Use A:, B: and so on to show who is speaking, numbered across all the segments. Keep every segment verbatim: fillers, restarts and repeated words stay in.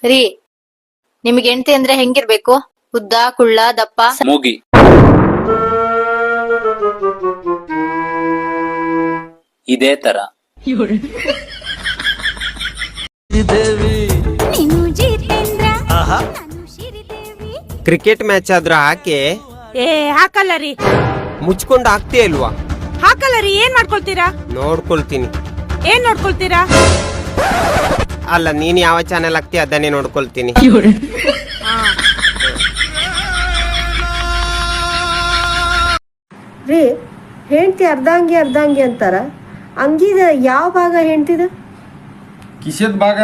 A: ರೀ ನಿಮ್ಗೆ ಹೆಂಡತಿ ಅಂದ್ರೆ ಹೆಂಗಿರ್ಬೇಕು? ಉದ್ದ, ಕುಳ್ಳ, ದಪ್ಪ?
B: ಮೂಗಿ. ಇದೇ ತರ.
C: ಕ್ರಿಕೆಟ್ ಮ್ಯಾಚ್ ಆದ್ರೂ ಹಾಕಿ.
D: ಏ ಹಾಕಲ್ಲ ರೀ.
C: ಮುಚ್ಕೊಂಡು ಹಾಕ್ತೀಯ ಇಲ್ವಾ?
D: ಹಾಕಲ್ಲ ರೀ. ಏನ್ ಮಾಡ್ಕೊಳ್ತೀರಾ?
C: ನೋಡ್ಕೊಳ್ತೀನಿ.
D: ಏನ್ ನೋಡ್ಕೊಳ್ತೀರಾ?
C: ಅಲ್ಲ, ನೀನ್ ಯಾವ ಚಾನೆಲ್ ಹಾಕ್ತೀಯ ಅದನ್ನೇ ನೋಡ್ಕೊಳ್ತೀನಿ.
E: ರೀ, ಹೆಂಡತಿ ಅರ್ಧಂಗಿ ಅರ್ಧಂಗಿ ಅಂತಾರ, ಅಂಗಿದ ಯಾವ ಭಾಗ ಹೆಂಡ್ತಿದ?
F: ಕಿಶೆದ್ ಭಾಗ.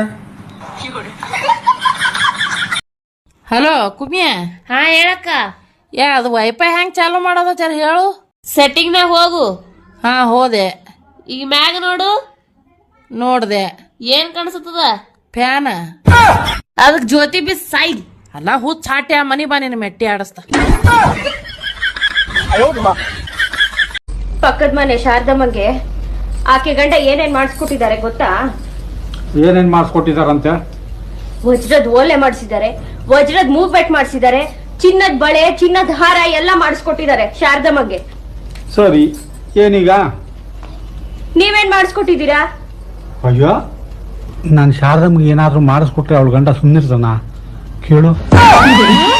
G: ಹಲೋ ಕುಮಿಯ.
H: ಹಾ ಹೇಳಕ್ಕ.
G: ಯಾ ಅದು ವೈಫೈ ಹೆಂಗ್ ಚಾಲು ಮಾಡೋದು ಜರ ಹೇಳು.
H: ಸೆಟ್ಟಿಂಗ್ ನಾಗ ಹೋಗು.
G: ಹಾ ಹೋದೆ.
H: ಈಗ ಮ್ಯಾಗ ನೋಡು.
G: ನೋಡ್ದೆ.
H: ಏನ್ ಕಾಣಿಸ್ತದ?
G: ಫ್ಯಾನ್.
H: ಅದಕ್ ಜ್ಯೋತಿ ಬಿ ಸಾಯಿ.
G: ಅಲ್ಲ ಹುಚ್ಚ ಚಾಟ್ಯ ಮನಿ ಬಾ ನಿನ್ನ ಮೆಟ್ಟಿ ಆಡಸ್ತ.
I: ಪಕ್ಕದ ಮನೆ ಶಾರದಮ್ಮಗೆ ಆಕೆ ಗಂಡ ಏನೇನ್ ಮಾಡಿಸ್ಕೊಟ್ಟಿದ್ದಾರೆ ಗೊತ್ತಾ?
F: ಏನೇನ್ ಮಾಡಿಸ್ಕೊಟ್ಟಿದಾರಂತೆ?
I: ವಜ್ರದ ಓಲೆ ಮಾಡಿಸಿದ್ದಾರೆ, ವಜ್ರದ ಮೂವ್ಮೆಂಟ್ ಮಾಡಿಸಿದ್ದಾರೆ, ಚಿನ್ನದ ಬಳೆ, ಚಿನ್ನದ ಹಾರ ಎಲ್ಲ ಮಾಡಿಸ್ಕೊಟ್ಟಿದ್ದಾರೆ ಶಾರದಮ್ಮಗೆ.
F: ಸರಿ, ಏನೀಗ?
I: ನೀವೇನ್ ಮಾಡಿಸ್ಕೊಟ್ಟಿದ್ದೀರಾ?
F: ಅಯ್ಯೋ, ನಾನು ಶಾರದಮ್ಮಗೆ ಏನಾದ್ರೂ ಮಾಡಿಸ್ಕೊಟ್ರೆ ಅವಳ ಗಂಡ ಸುಮ್ಮನಿರ್ತಾನ? ಕೇಳು.